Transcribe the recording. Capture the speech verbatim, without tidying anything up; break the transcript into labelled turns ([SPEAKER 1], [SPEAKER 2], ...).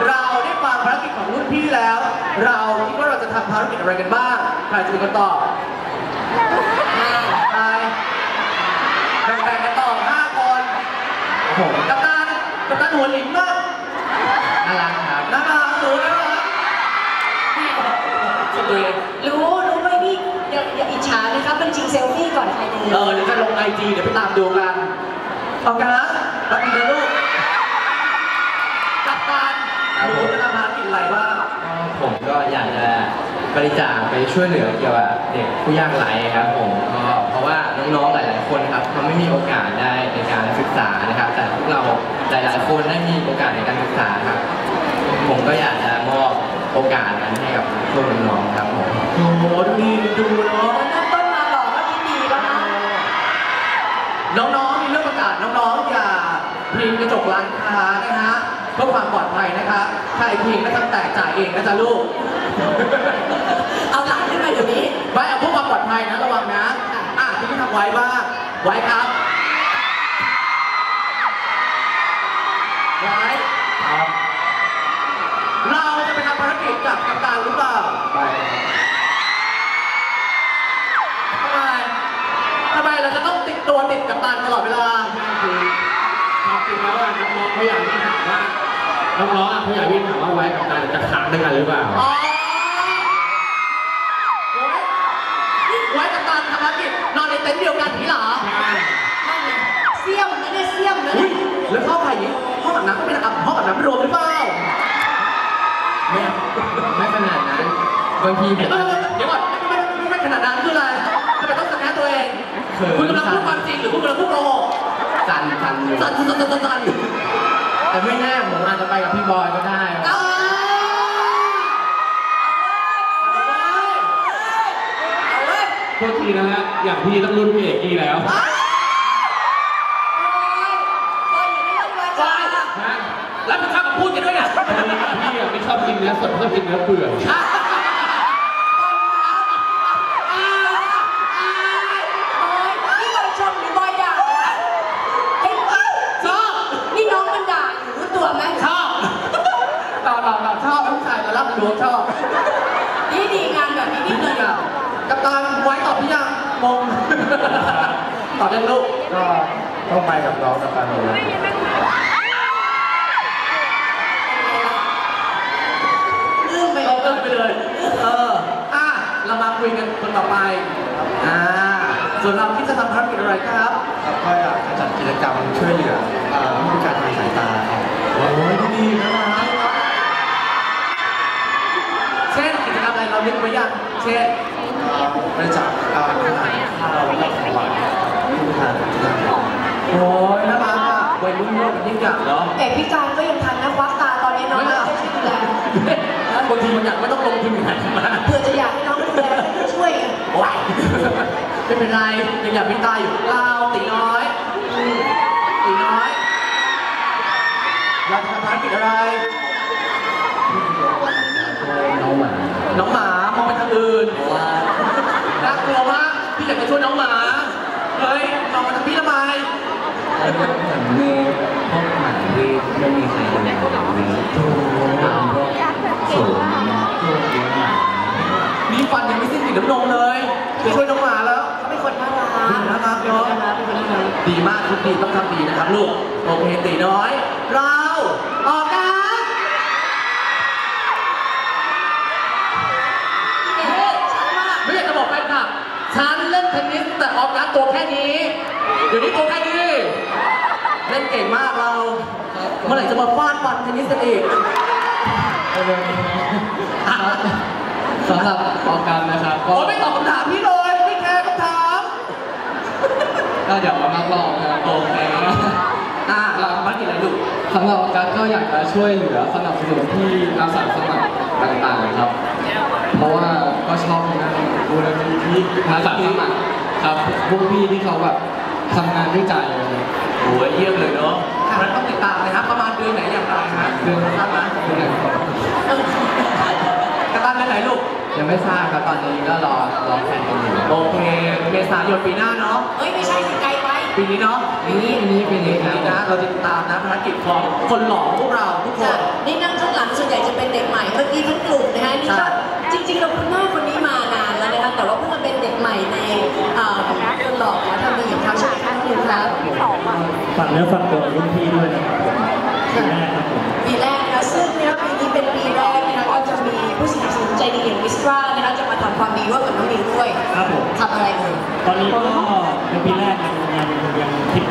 [SPEAKER 1] เราได้ฟังภารกิจของรุ่นพี่แล้วเราคิดว่าเราจะทำภารกิจอะไรกันบ้างใครจะเป็นคนตอบใครแบ่งๆกันตอบห้าคนผมกัปตันกัปตันหัวหลิมมากน่ารักครับน่ารักหนูน่ารักสุดเลย
[SPEAKER 2] รู้รู้ไหมพี่อย่าอย่าอิจฉานะครับมันจริงเซลฟี่ก่อนใครเลย
[SPEAKER 1] เออเดี๋ยวจะลงไอจีเดี๋ยวไปตามดูกันเอากันนะแป๊บนึงนะลูกกัปตันหนูจะทำภารกิจอะไรบ้าง
[SPEAKER 3] ผมก็อยากจะบริจาคไปช่วยเหลือเกี่ยวกับเด็กผู้ยากไร้ครับผมเพราะว่าน้องๆหลายๆคนครับเขาไม่มีโอกาสได้ในการศึกษานะครับแต่พวกเราหลายๆคนได้มีโอกาสในการศึกษาครับผมก็อยากจะมอบโอกาสนั้นให้กับพวกน้องๆครับผม
[SPEAKER 1] โอ้โหดีดูเนาะ
[SPEAKER 2] เริ่มต้นมาหล่อก็ดีแล้วนะ
[SPEAKER 1] น้องๆมีเรื่องประกาศน้องๆอย่าพิงกระจกร้านค้านะฮะเพื่อความปลอดภัยนะคะใครพิงก็ต้องแตกจ่ายเองนะจ๊ะลูก
[SPEAKER 2] เอาหลังขึ้นมาเดี๋ยวนี้
[SPEAKER 1] ไว้เอาพวกความปลอดภัยนะระวังนะอ่ะที่ทำไว้บ้างไว้ครับไว้ครับเราจะไปทำภารกิจกับกัปตันหรือเปล่าไปทำไมทำไมเราจะต้องติดตัวติดกัปตันตลอดเวลา
[SPEAKER 4] คือความจริงแล้วน้องๆเขาอยากที่ถามว่าน้องๆเขาอยากที่ถามว่าไว้กับการจะค้างด้วยกันหรือเปล่า
[SPEAKER 1] ไว้กับการทำภารกิจนอนในเต็นท์เดียวกันนี่เหรอ
[SPEAKER 2] เสี่ยมนะเนี่ยเสี่ยมนะ
[SPEAKER 1] แล้วห้องใครนี้ห้องอาบน้ำก็เป็นห้องอาบน้ำรวมหรือเปล่า
[SPEAKER 3] ไม่ไม่ขนาดนั้นบางที
[SPEAKER 1] เดี๋ยวก่อนเดี๋ยวก่อนไม่ไม่ไม่ขนาดนั้นคืออะไรทำไมต้องสแกนตัวเองคุณกำลังพูดความจริงหรือคุณกำลังพูดโกหก
[SPEAKER 3] สั่นสั่นอยู่
[SPEAKER 1] สั่นสั่นสั่นสั่น
[SPEAKER 3] แต่ไม่แน่ผมอาจจะไปกับพี่บอยก็ได้
[SPEAKER 4] โทษทีนะฮะอย่างพี่ต้องรุ่นพี่เอกกี้แล้ว
[SPEAKER 1] แล้วมึงเข้ามาพูดกันด้วยเนี่ย
[SPEAKER 4] พี่ไม่ชอบกินเนื้อสดชอบกินเนื้อเปื่อย
[SPEAKER 2] นี่บอยชมหรือบอยด่าชอบนี่น้องมันด่าอยู่รู้ตัวไหม
[SPEAKER 1] ชอบต่อต่อต่อชอบผู้ชายมารับหลวงชอบ
[SPEAKER 2] นี่ดีงานแบบนี้นี่เลย
[SPEAKER 1] กัปตันไว้ตอบพี่ยังงงตอบยังลูก
[SPEAKER 3] ก็ต้องไปกับน้องกัปตันเลย
[SPEAKER 2] ลืมไปเลย
[SPEAKER 1] ลืมไปเลยเอออ่ะเรามาคุยกันคนต่อไปอ่าส่วนเราคิดจะทำภารกิจอะไรครับ
[SPEAKER 3] ก็อยากจะจัดกิจกรรมช่วยเหลือผู้พิการทางสายตาครับ
[SPEAKER 1] โอ้ยดีนะเช่นกิจกรรมอะไรเราเล่นไว้ยังเช่น
[SPEAKER 3] บริจาคอาหารข้าวและของหวานผู้พิการ
[SPEAKER 1] โอ้ยน่ารักอ่ะวัยรุ่นโลกเป็นยิ่งใหญ่เนาะ
[SPEAKER 2] แต่พิการก็ยังทันนะควักตาตอนนี้น้องไม่ได้ช่วยดูแล
[SPEAKER 1] บางทีมันอยากไม่ต้องลงทุนขนาดนั้น
[SPEAKER 2] เพื่อจะอยากให้น้องดูแลช่วย
[SPEAKER 1] ว้ายไม่เป็นไรยังอยากเป็นตาอยู่เราตีน้อยตีน้อยอยากทำภารกิจอะไร
[SPEAKER 3] น้องหมา
[SPEAKER 1] น้องหมามองไปทางอื่นน่ากลัวมากพี่อยากจะช่วยน้องหมาเฮ้ยมองไปทางพี่ทำไม
[SPEAKER 3] เหมือนมีพวกหมาที่ไม่มีใครดูแลมีตามพวกสูงพวกเลี้ยงหมา
[SPEAKER 1] มีฟันยังไม่สิ้นกลิ่นน้ำนมเลยจะช่วยน้องหมาแล้ว
[SPEAKER 2] เขาเป็นคนน่ารัก
[SPEAKER 1] น่ารักเนาะดีมากทุกทีต้องทำดีนะครับลูกโอเคตีน้อยเราออกกันไม่อยากจะบอกแฟนคลับฉันเล่นเทนนิสแต่ออกการตัวแค่นี้เดี๋ยวนี้ตัวแค่นี้เล่นเก่งมากเราเมื่อไหร่จะมาฟาดฟันเทนนิสกันอีก
[SPEAKER 3] สำหรับออกการนะครับ
[SPEAKER 1] ก็ไม่ตอบคำถามพี่เลยไม่แคร์คำถาม
[SPEAKER 3] ก็เดี๋ยวมานักลองนะโอเค
[SPEAKER 1] อ่าเราบ้านกี่อะไรลูก
[SPEAKER 3] สำหรับออกการก็อยากจะช่วยเหลือสนับสนุนที่อาสาสมัครต่างๆครับเพราะว่าก็ชอบนะดูแลที่อาสาสมัครครับพวกพี่ที่เขาแบบทำงานด้วยใจเลย
[SPEAKER 1] โอ้ยเยี่ยมเลยเนาะแล้วต้องติดตามเลยครับประมาณเดือนไหนอย่างไรฮะ
[SPEAKER 3] เดือนทราบไหมเดือนไหน
[SPEAKER 1] กระตันเดือนไหนลูก
[SPEAKER 3] ยังไม่ทราบครับตอนนี้ก็รอรอแผนกันอยู่
[SPEAKER 1] โอเคเมษายนปีหน้าเนาะ
[SPEAKER 2] เฮ้ยไม่ใช่ไกลไป
[SPEAKER 1] ปีนี้เนาะ
[SPEAKER 3] ปีนี้ปีนี้ปีนี้ครับ
[SPEAKER 1] นะเราติดตามนะภารกิจของคนหล่อพวกเราทุกค
[SPEAKER 2] ค่ะ
[SPEAKER 1] น
[SPEAKER 2] นี่นั่งข้างหลังส่วนใหญ่จะเป็นเด็กใหม่เมื่อกี้ทั้งกลุ่มนะคะนี่
[SPEAKER 1] ใช่
[SPEAKER 2] ก็จริงๆเราคุณแม่คนนี้มานานแล้วนะคะแต่ว่าเพิ่งมาเป็นเด็กใหม่ในเอ่อคนหล่อขอทำดีของเขาใช่ไหมคะน้องนิวครับ
[SPEAKER 5] ฝากเนื้อฝากตัวรุ่นพี่ด้วยนะครับปีแรกครับผม
[SPEAKER 2] ปีแรกนะคะซึ่งเนี่ยปีนี้เป็นปีแรกนะคะก็จะมีผู้สนับสนุนใจดีอย่างมิสตรานะคะจะมาทำความดีร่วมกับน้องนิวด้วย
[SPEAKER 5] ครับผม
[SPEAKER 2] ทำอะไรเลย
[SPEAKER 5] ตอนนี้ก็เป็นปีแรกยังยังยังคิด